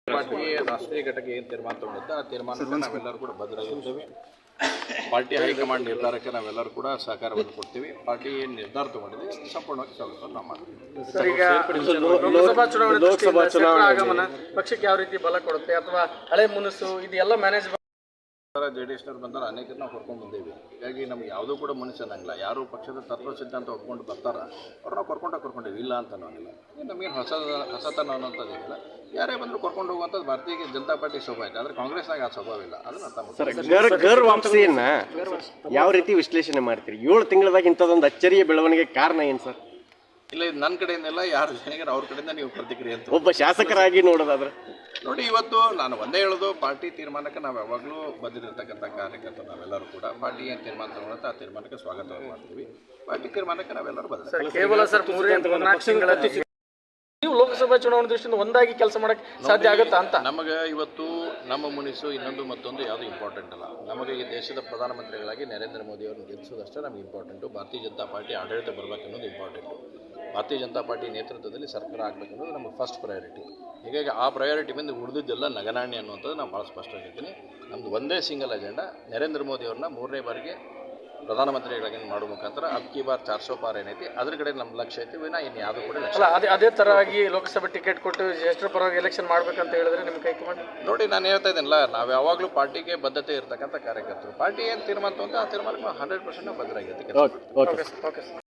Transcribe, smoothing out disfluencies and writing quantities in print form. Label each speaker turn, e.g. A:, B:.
A: Party ರಾಷ್ಟ್ರೀಯ ಘಟಕ ಏನು ತೀರ್ಮಾನ ತಗೊಂಡಿದ್ದ ಆ ತೀರ್ಮಾನಕ್ಕೆ ನಾವೆಲ್ಲರೂ ಕೂಡ ಬದ್ಧರಾಗಿರ್ತೇವೆ. ಪಾರ್ಟಿ ಹೈಕಮಾಂಡ್ ನಿರ್ಧಾರಕ್ಕೆ ನಾವೆಲ್ಲರೂ ಕೂಡ ಸಹಕಾರವನ್ನು ಕೊಡ್ತೀವಿ. ಪಾರ್ಟಿ ಏನು ನಿರ್ಧಾರ ತಗೊಂಡಿದೆ ಸಂಪೂರ್ಣವಾಗಿ ಸ್ವಾಗತವನ್ನು ನಾವು ಮಾಡ್ತೀವಿ.
B: ಸರ್, ಈಗ ಲೋಕಸಭಾ ಚುನಾವಣೆ ಆಗಮನ ಪಕ್ಷಕ್ಕೆ ಯಾವ ರೀತಿ ಬಲ ಕೊಡುತ್ತೆ ಅಥವಾ ಹಳೆ ಮುನಸು ಇದೆಲ್ಲ ಮ್ಯಾನೇಜ್
A: JDSನವ್ರು ಬಂದಾರ, ಅನೇಕರು ನಾವು ಕರ್ಕೊಂಡು ಬಂದೇವಿ. ಹೀಗಾಗಿ ನಮ್ಗೆ ಯಾವುದೂ ಕೂಡ ಮನುಷ್ಯ ಅನ್ನಂಗಿಲ್ಲ. ಯಾರು ಪಕ್ಷದ ತತ್ವ ಸಿದ್ಧಾಂತ ಹೊಡ್ಕೊಂಡು ಬರ್ತಾರ ಅವ್ರು ನಾವು ಕರ್ಕೊಂಡೇವಿ, ಇಲ್ಲ ಅಂತ ಅನ್ನೋಂಗಿಲ್ಲ. ನಮಗೇನು ಹೊಸತನ ಅನ್ನೋಂಥದ್ದೇನಿಲ್ಲ. ಯಾರೇ ಬಂದರೂ ಕರ್ಕೊಂಡು ಹೋಗುವಂಥದ್ದು ಭಾರತೀಯ ಜನತಾ ಪಾರ್ಟಿ ಸ್ವಭಾವ ಐತೆ. ಆದರೆ ಕಾಂಗ್ರೆಸ್ನಾಗ ಆ ಸ್ವಭಾವ ಇಲ್ಲ. ಅದನ್ನ ಅರ್ಥ ಮಾಡ್ತಾರೆ.
C: ಗರ್ ವಾಪಸಿಯನ್ನ ಯಾವ ರೀತಿ ವಿಶ್ಲೇಷಣೆ ಮಾಡ್ತೀರಿ? 7 ತಿಂಗಳದಾಗ ಇಂಥದ್ದೊಂದು ಅಚ್ಚರಿಯ ಬೆಳವಣಿಗೆ ಕಾರಣ ಏನು ಸರ್?
A: ಇಲ್ಲ, ಇದು ನನ್ನ ಕಡೆಯಿಂದಲ್ಲ, ಯಾರು ಜನಿಗರ ಅವ್ರ ಕಡೆಯಿಂದ ನೀವು ಪ್ರತಿಕ್ರಿಯೆ ಅಂತ
C: ಒಬ್ಬ ಶಾಸಕರಾಗಿ ನೋಡೋದಾದ್ರೆ
A: ನೋಡಿ. ಇವತ್ತು ನಾನು ಒಂದೇ ಹೇಳೋದು, ಪಾರ್ಟಿ ತೀರ್ಮಾನಕ್ಕೆ ನಾವು ಯಾವಾಗಲೂ ಬಂದಿರತಕ್ಕಂಥ ಕಾರ್ಯಕರ್ತರು ನಾವೆಲ್ಲರೂ ಕೂಡ ಪಾರ್ಟಿ ಏನು ತೀರ್ಮಾನ ತಗೊಳುತ್ತೆ ಆ ತೀರ್ಮಾನಕ್ಕೆ ಸ್ವಾಗತವನ್ನು ಮಾಡ್ತೀವಿ. ಪಾರ್ಟಿ ತೀರ್ಮಾನಕ್ಕೆ ನಾವೆಲ್ಲರೂ ಬಂದಿದ್ದೀವಿ.
B: ಕೇವಲ ಸರ್ 3-4 ತಿಂಗಳ ನೀವು ಲೋಕಸಭಾ ಚುನಾವಣೆ ದೃಷ್ಟಿಯಿಂದ ಒಂದಾಗಿ ಕೆಲಸ ಮಾಡಕ್ಕೆ ಸಾಧ್ಯ ಆಗುತ್ತಾ ಅಂತ?
A: ನಮಗೆ ಇವತ್ತು ನಮ್ಮ ಮುನಿಸು ಇನ್ನೊಂದು ಮತ್ತೊಂದು ಯಾವುದು ಇಂಪಾರ್ಟೆಂಟ್ ಅಲ್ಲ. ನಮಗೆ ಈ ದೇಶದ ಪ್ರಧಾನಮಂತ್ರಿಗಳಾಗಿ ನರೇಂದ್ರ ಮೋದಿ ಅವರನ್ನು ಗೆಲ್ಲಿಸೋದಷ್ಟೇ ನಮಗೆ ಇಂಪಾರ್ಟೆಂಟು. ಭಾರತೀಯ ಜನತಾ ಪಾರ್ಟಿ ಆಡಳಿತ ಬರಬೇಕನ್ನೋದು ಇಂಪಾರ್ಟೆಂಟು. ಭಾರತೀಯ ಜನತಾ ಪಾರ್ಟಿ ನೇತೃತ್ವದಲ್ಲಿ ಸರ್ಕಾರ ಆಗಬೇಕನ್ನೋದು ನಮಗೆ ಫಸ್ಟ್ ಪ್ರಯಾರಿಟಿ. ಹೀಗಾಗಿ ಆ ಪ್ರಯಾರಿಟಿ ಬಂದು ಉಳಿದಿದ್ದೆಲ್ಲ ನಗನಾಣ್ಯ ಅನ್ನುವಂಥದ್ದು ನಾನು ಭಾಳ ಸ್ಪಷ್ಟವಾಗಿರ್ತೀನಿ. ನಮ್ಮದು ಒಂದೇ ಸಿಂಗಲ್ ಅಜೆಂಡಾ, ನರೇಂದ್ರ ಮೋದಿ ಅವ್ರನ್ನ 3ನೇ ಬಾರಿಗೆ ಪ್ರಧಾನಮಂತ್ರಿಗಳಾಗಿ ಮಾಡೋ ಮುಖಾಂತರ ಅಬ್ಕಿ ಬಾರ್ 400 ಪಾರ್ ಏನೈತಿ ಅದ್ರ ಕಡೆ ನಮ್ಮ ಲಕ್ಷ್ಯ ಐತಿ. ವಿನಾ ಇನ್ನು ಯಾವುದೂ ಕೂಡ
B: ಅಲ್ಲ, ಅದೇ ಥರವಾಗಿ ಲೋಕಸಭೆ ಟಿಕೆಟ್ ಕೊಟ್ಟು ಜ್ಯೇಷ್ಠರ ಪರವಾಗಿ ಎಲೆಕ್ಷನ್ ಮಾಡ್ಬೇಕಂತ ಹೇಳಿದ್ರೆ ನಿಮ್ಮ ಕೈಕಮಾಂಡ್
A: ನೋಡಿ, ನಾನು ಹೇಳ್ತಾ ಇದ್ದೀನಲ್ಲ, ನಾವು ಯಾವಾಗಲೂ ಪಾರ್ಟಿಗೆ ಬದ್ಧತೆ ಇರತಕ್ಕಂಥ ಕಾರ್ಯಕರ್ತರು. ಪಾರ್ಟಿ ಏನು ತೀರ್ಮಾನ ಅಂತ ಆ ತೀರ್ಮಾನಕ್ಕೆ 100% ಬದ್ಧರಾಗಿರ್ತೀವಿ.
B: Okay sir.